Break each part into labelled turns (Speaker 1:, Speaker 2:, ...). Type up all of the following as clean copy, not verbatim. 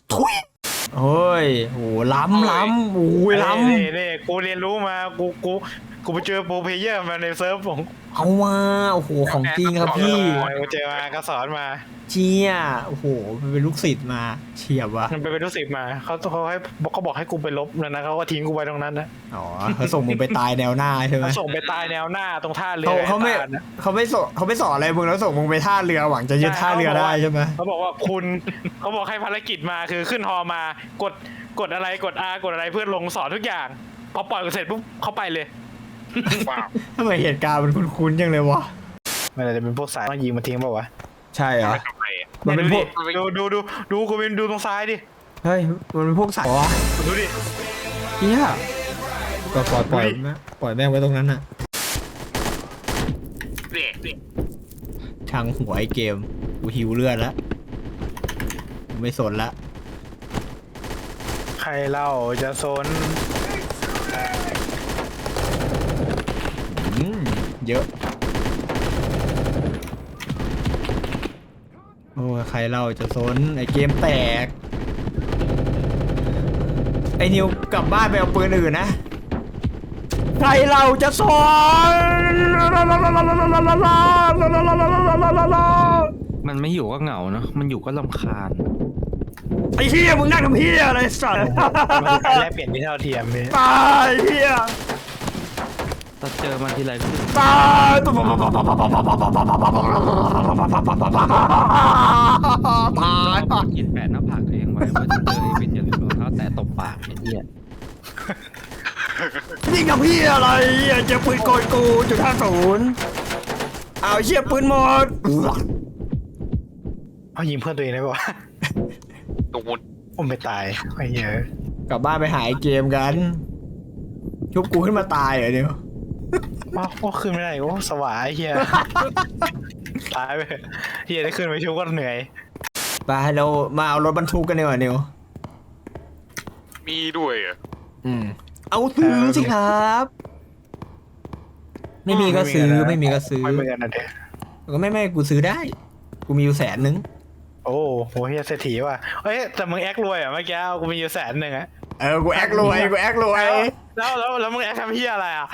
Speaker 1: ทุยโอ้ยโหล้ำโอ้ยล้ำ
Speaker 2: นี่กูเรียนรู้มากูไปเจอโปรเพลเยอร์มาในเซิร์ฟของ
Speaker 1: เอามาโอ้โหของจริงครับพี่
Speaker 2: กูเจอมาก็สอนมา
Speaker 1: เชี่ยโอ้โหเป็นลูกศิษย์มาเฉียบวะ
Speaker 2: มันเป็นรู้สึกมาเขาบอกให้กูไปลบนะเขาก็ทิ้งกูไว้ตรงนั้นนะ
Speaker 1: อ๋อเขาส่งมึงไปตายแนวหน้าใช่ไหม
Speaker 2: เขาส่งไปตายแนวหน้าตรงท่าเรือ
Speaker 1: เขาไม่
Speaker 2: ไอ้ตาลนะ
Speaker 1: เขาไม่สอนอะไรมึงแล้วส่งมึงไปท่าเรือหวังจะยึดท่าเรือได้ใช่ไหม
Speaker 2: เขาบอกว่าเขาบอกให้ภารกิจมาคือขึ้นฮอมากดอะไรกด R กดอะไรเพื่อลงสอนทุกอย่างพอปล่อยเสร็จปุ๊บเขาไปเลย
Speaker 1: ทำไมเหตุการณ์มันคุ้นๆจังเลยวะ
Speaker 2: มันอาจจะเป็นพวกสายต้องยิงมาทิ้งเปล่าวะ
Speaker 1: ใช่เหรอมันเป็นพวก
Speaker 2: ดูกูเป็นดูตรงซ้ายดิ
Speaker 1: เฮ้ยมันเป็นพวกสายวะ
Speaker 2: ดูดิ
Speaker 1: เฮียก็ปล่อยแม่งไว้ตรงนั้นน่ะทางหัวไอเกมกูหิวเลือดแล้วกูไม่สนละ
Speaker 2: ใครเล่าจะสน
Speaker 1: เยอะโอ้ยใครเล่าจะสนไอเกมแตกไอนิวกลับบ้านไปเอาปืนอื่นนะใครเราจะสน
Speaker 3: มันไม่อยู่ก็เหงาเนาะ มันอยู่ก็รำคาญ
Speaker 1: ไอ้เหี้ยมึงนั่งทำเหี้ยอะไรสัตว์
Speaker 2: มันการแลกเปลี่ยนที่เท่าเทียมพี่
Speaker 1: ตายเหี้ย
Speaker 3: ถ้าเจอมันทีไรก็คือ
Speaker 1: ตายตาย
Speaker 3: เอากินแปะหน้าผากตัวเองไว้ว่าจะเจอไอ้วิทย์อย่าลืมรองเท้าแตะตบปากไอ้เหี้ย
Speaker 1: ยิงกับพี่อะไรเจอปืนโกยกู.50เอาเชี่ยปืนหมด
Speaker 2: เอายิงเพื่อนตัวเองได้ปะวะ
Speaker 4: ตูด
Speaker 2: ผมไปตายไอ้เหี้ย
Speaker 1: กลับบ้านไปหาไอ้เกมกันชุบกูขึ้นมาตายเหรอเดี๋ยว
Speaker 2: ว้าวโอ้ขึ้นไม่ได้โอ้สวายเฮียตายไปเฮียได้ขึ้นไปชิวก็เหนื่อย
Speaker 1: ไปเรามาเอารถบรรทุกกันดีกว่านิว
Speaker 4: มีด้วยเหรอ่ะ
Speaker 1: เอาซื้อสิครับ ไม่มีก็ซื้อไม่มีก็ซื้อ
Speaker 2: ไม่เหมือนกันนะเด็ก
Speaker 1: ก็ไม่กูซื้อได้ กูมีอยู่100,000
Speaker 2: โอ้โหเฮียเศรษฐีว่ะเฮ้ยแต่มึงแอครวยอ่ะเมื่อกี้กูมีอยู่100,000อ่ะ
Speaker 1: กูแอครวย
Speaker 2: แล้วมึงแอคทำเฮียอะไรอ่ะ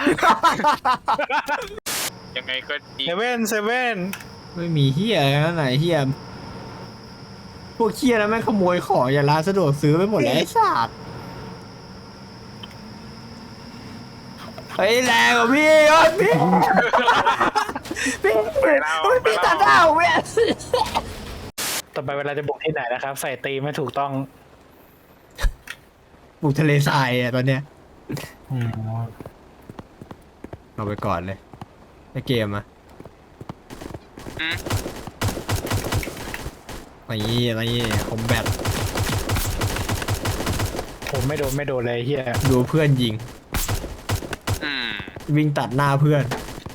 Speaker 4: ยังไงก็ดี
Speaker 2: เซเว่น
Speaker 1: ไม่มีเฮียอะไรไหนเฮียพวกเฮียแล้วแม่งขโมยของอย่าร้านสะดวกซื้อไปหมดแล้วไอ้สัตว์เฮ้ยแรงกว่าพี่พี่ตัดดาวเว้ย
Speaker 2: ต่อไปเวลาจะบุกที่ไหนนะครับ ใส่ตีมไม่ถูกต้อง
Speaker 1: ปลูกทะเลทรายอ่ะตอนเนี้ย
Speaker 2: อืม
Speaker 1: เอาไปก่อนเลยในเกมอ่ะอะไรคอมแบท
Speaker 2: ผมไม่โดนเลยเฮีย
Speaker 1: ดูเพื่อนยิง
Speaker 4: อืม
Speaker 1: วิ่งตัดหน้าเพื่อน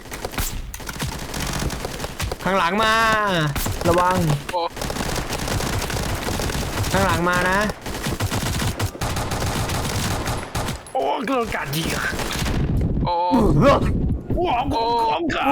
Speaker 1: ข้างหลังมา ระวัง
Speaker 4: โอ้
Speaker 1: ข้างหลังมานะ
Speaker 2: โอ้โดนกัดยิง
Speaker 4: โอ้
Speaker 2: ว้าวของเขา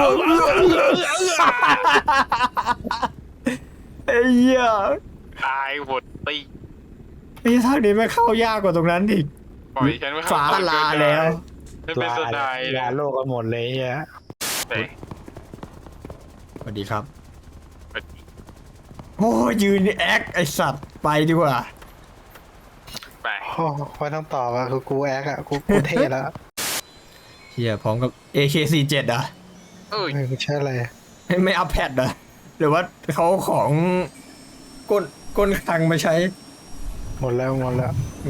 Speaker 1: ไอ้เหี้ย
Speaker 4: ตายหมดตี
Speaker 1: ไอ้ทางนี้ไม่เข้ายากกว่าตรงนั้นอีก
Speaker 4: ปล่อยฉันไว้
Speaker 1: ฟ้าลาแล้ว
Speaker 4: ฉันเป็นสไตล์
Speaker 2: ลาโลกกันหมดเลยเฮีย
Speaker 4: แต่
Speaker 1: สวัสดีครับ โอ้ยืนแอคไอสัตว์ไปดีกว่า
Speaker 4: ไป
Speaker 2: โอ้ไม่ต้องตอบอ่ะคือกูแอคอ่ะกูเท่แล้ว
Speaker 1: เฮียพร้อมกับ AK47 อ่ะ
Speaker 4: เอ้ย
Speaker 2: ไม่ใช่อะไร
Speaker 1: ไม่อัพแพดอ่ะหรือว่าเขาของก้นคลังมาใช้
Speaker 2: หมดแล้ว
Speaker 1: งบหมด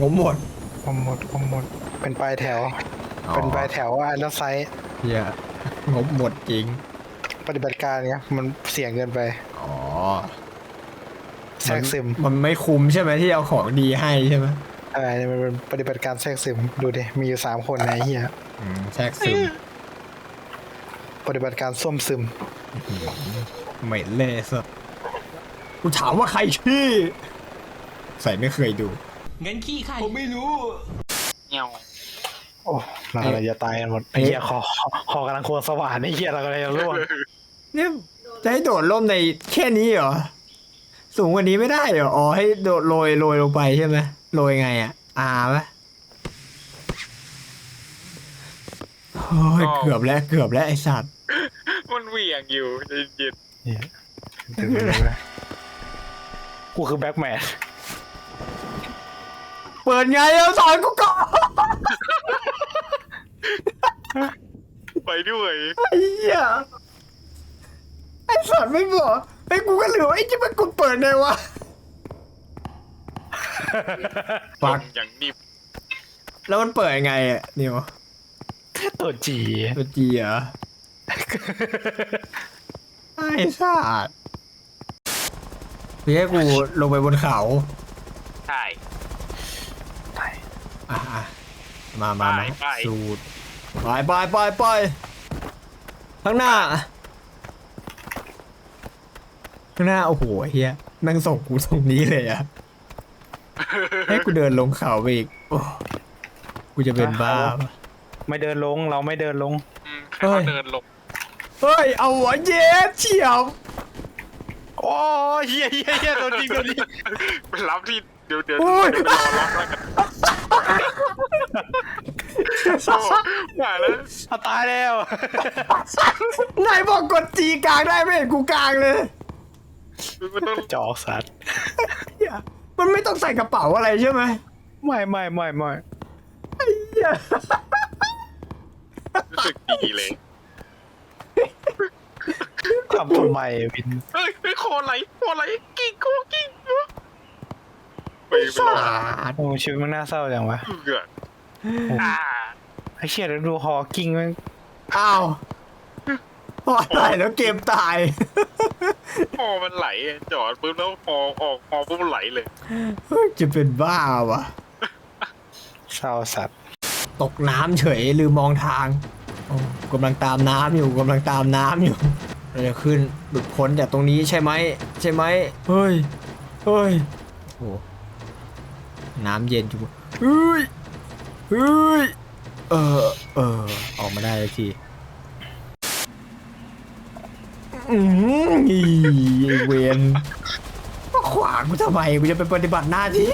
Speaker 2: เป็นปลายแถว เป็นปลายแถวอันละไซส์
Speaker 1: เฮียงบหมดจริง
Speaker 2: ปฏิบัติการเนี้ยมันเสี่ยงเกินไป
Speaker 1: อ๋อ
Speaker 2: แทรกซึม
Speaker 1: มันไม่คุ้มใช่ไหมที่เอาของดีให้ใช่ไหม
Speaker 2: อะไรเนี่ยมันเป็นปฏิบัติการแทรกซึมดูดิมีอยู่3 คนในเฮีย
Speaker 1: แทรกซึม
Speaker 2: ปฏิบัติการส้วมซึม
Speaker 1: เหม็นเลยสัสกูถามว่าใครชื่อใส่ไม่เคยดู
Speaker 3: เงินขี้ใคร
Speaker 1: ผมไม่รู้
Speaker 4: เงี้ยว
Speaker 2: โอ้เราจะตายกันหมดไอ้เฮียคอกำลังควงสว่านไอ้เฮียเรากำลังจะร่วง
Speaker 1: เนี่ยจะให้โดดร่มในแค่นี้เหรอสูงกว่านี้ไม่ได้เหรออ๋อให้โดดโรยลงไปใช่ไหมโรยไงอ่ะปะโอ้ยเกือบแล้วไอ้สัตว์
Speaker 4: มันเหวี่ยงอยู่เย็น
Speaker 2: กูคือแบ็คแมน
Speaker 1: เปิดไงเอาสอนกูก่อน
Speaker 4: ๆไปด้วย
Speaker 1: ไอ้เหี้ยไอ้สัตว์ไม่บอกไอ้กูก็เหลือไอ้ที่มันกูเปิดไงวะ ปัก
Speaker 4: อย่างนิ่ม
Speaker 1: แล้วมันเปิดยังไงอ่ะนิว
Speaker 2: ตัวจี
Speaker 1: ตัวจีเหรอ ไอ้สัตว์พี่ให้กูลงไปบนเขา
Speaker 4: ใช่
Speaker 1: อ่ะมา
Speaker 4: ไป
Speaker 1: สูดไปข้างหน้าโอ้โหเฮียแม่งส่งกูตรงนี้เลยอะให้กูเดินลงเขาไปอีกโอ้กูจะเป็นบ้าปะ
Speaker 2: ไม่เดินลงเราไม่เดินลง
Speaker 4: ให้เขาเดินลง
Speaker 1: เฮ้ยเอาหัวเย็ดเฉียบ
Speaker 2: โอ้เฮียโดนจริง
Speaker 4: ไปรับที่เดี๋ยว
Speaker 1: อุ้ย
Speaker 4: ไปรอรับแล้วกันโอ้มาแล้ว
Speaker 2: เอาตายแล้ว
Speaker 1: นายบอกกดจีกลางได้ไม่เห็นกูกลางเลย
Speaker 4: มันต้อง
Speaker 2: จอกสัตว์
Speaker 1: เหี้ยมันไม่ต้องใส่กระเป๋าอะไรใช่ไหม
Speaker 2: ไม่
Speaker 1: เหี้ย
Speaker 4: รู้สึกดีเลย
Speaker 2: ทำทำไมวิน
Speaker 4: เฮ้ยคอไหลกิ้งกูไปรอ
Speaker 1: สัตว์
Speaker 2: โอ้ชีวิตมันน่าเศร้าจังวะ
Speaker 4: เกืออ่า
Speaker 2: ไอ้เชี่ยแล้วดูฮอกิ้งมัน
Speaker 1: อ้าวพอตายแล้วเกมตาย
Speaker 4: คอมันไหลจอดปุ๊บแล้วคอออกคอปุ๊บไหลเลย
Speaker 1: จะเป็นบ้าวะ
Speaker 2: เศร้าสัตว์
Speaker 1: ตกน้ำเฉยลืมมองทางโอ้กำลังตามน้ำอยู่เราจะขึ้นหลุดพ้นจากตรงนี้ใช่ไหมเฮ้ยโอ้น้ำเย็นจุ๊บเฮ้ยออกมาได้แล้วทีอีไอ้เวนมาขวางกูทำไมกูจะไปปฏิบัติหน้าที่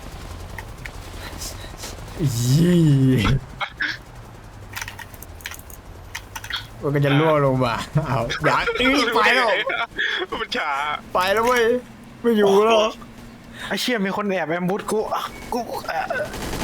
Speaker 1: มันก็จะล่วงลงมาเอาอยากไปแล้ว
Speaker 4: มันช้า
Speaker 1: ไปแล้วเว้ยไม่อยู่แล้ว
Speaker 2: ไอ้เชี่ยมีคนแอบแอมบูสกู